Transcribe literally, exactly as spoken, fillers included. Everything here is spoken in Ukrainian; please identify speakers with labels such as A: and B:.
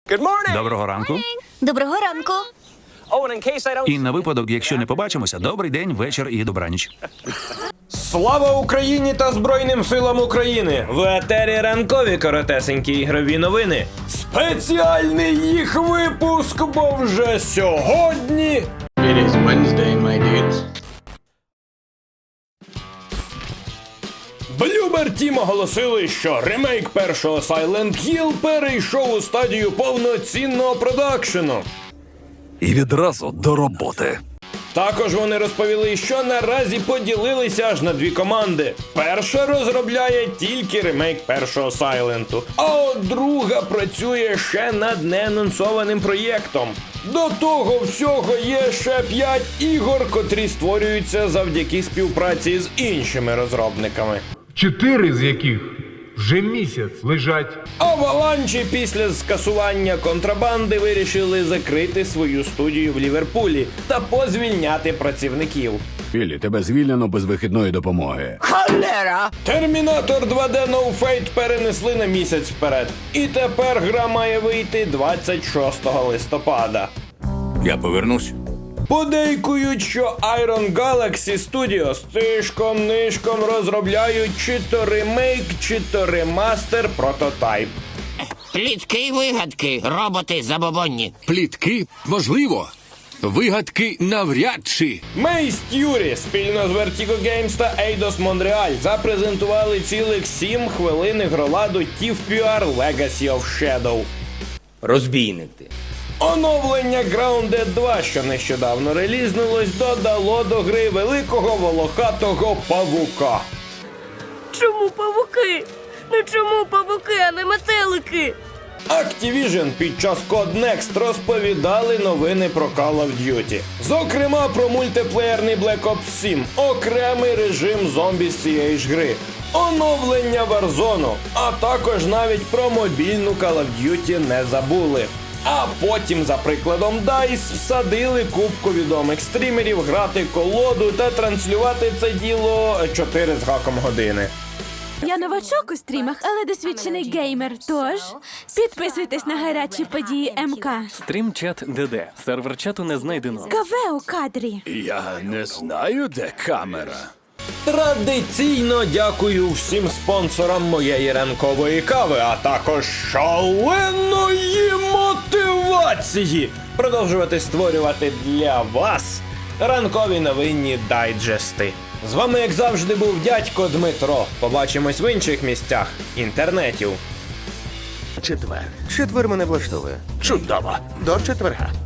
A: Доброго ранку.
B: Доброго ранку.
A: І на випадок, якщо не побачимося, добрий день, вечір і добраніч.
C: Слава Україні та Збройним силам України! В етері ранкові коротесенькі ігрові новини. Спеціальний їх випуск, бо вже сьогодні...
D: It is Wednesday, my dudes.
C: Bloober Team оголосили, що ремейк першого Silent Hill перейшов у стадію повноцінного продакшену.
E: І відразу до роботи.
C: Також вони розповіли, що наразі поділилися аж на дві команди. Перша розробляє тільки ремейк першого Сайленту, а от друга працює ще над неанонсованим проєктом. До того всього є ще п'ять ігор, котрі створюються завдяки співпраці з іншими розробниками.
F: Чотири з яких вже місяць лежать.
C: Аваланчі після скасування контрабанди вирішили закрити свою студію в Ліверпулі та позвільняти працівників.
G: Біллі, тебе звільнено без вихідної допомоги.
C: Термінатор два де No Fate перенесли на місяць вперед. І тепер гра має вийти двадцять шостого листопада.
G: Я повернусь.
C: Подейкують, що Iron Galaxy Studios тишком-нишком розробляють чи то ремейк, чи то ремастер прототайп.
H: Плітки й вигадки, роботи забобонні.
E: Плітки? Можливо. Вигадки навряд чи.
C: Мейс Т'юрі спільно з Vertigo Games та Eidos Montreal запрезентували цілих сім хвилин ігроладу ті еф пі ар Legacy of Shadow.
D: Розбійник ти.
C: Оновлення Grounded два, що нещодавно релізнулось, додало до гри великого волохатого павука.
B: Чому павуки? Ну чому павуки, а не метелики?
C: Activision під час Codenext розповідали новини про Call of Duty. Зокрема, про мультиплеєрний Black Ops сім, окремий режим зомбі з цієї ж гри, оновлення Warzone, а також навіть про мобільну Call of Duty не забули. А потім, за прикладом дайс, всадили купку відомих стрімерів грати колоду та транслювати це діло чотири з гаком години.
I: Я новачок у стрімах, але досвідчений геймер, тож підписуйтесь на гарячі події ем ка.
J: Стрімчат ДД. Сервер чату не знайдено.
I: Кафе у кадрі.
E: Я не знаю, де камера.
C: Традиційно дякую всім спонсорам моєї ранкової кави, а також шаленої мотивації продовжувати створювати для вас ранкові новинні дайджести. З вами, як завжди, був дядько Дмитро. Побачимось в інших місцях інтернетів.
K: Четвер. Четвер мене влаштовує.
E: Чудово.
K: До четверга.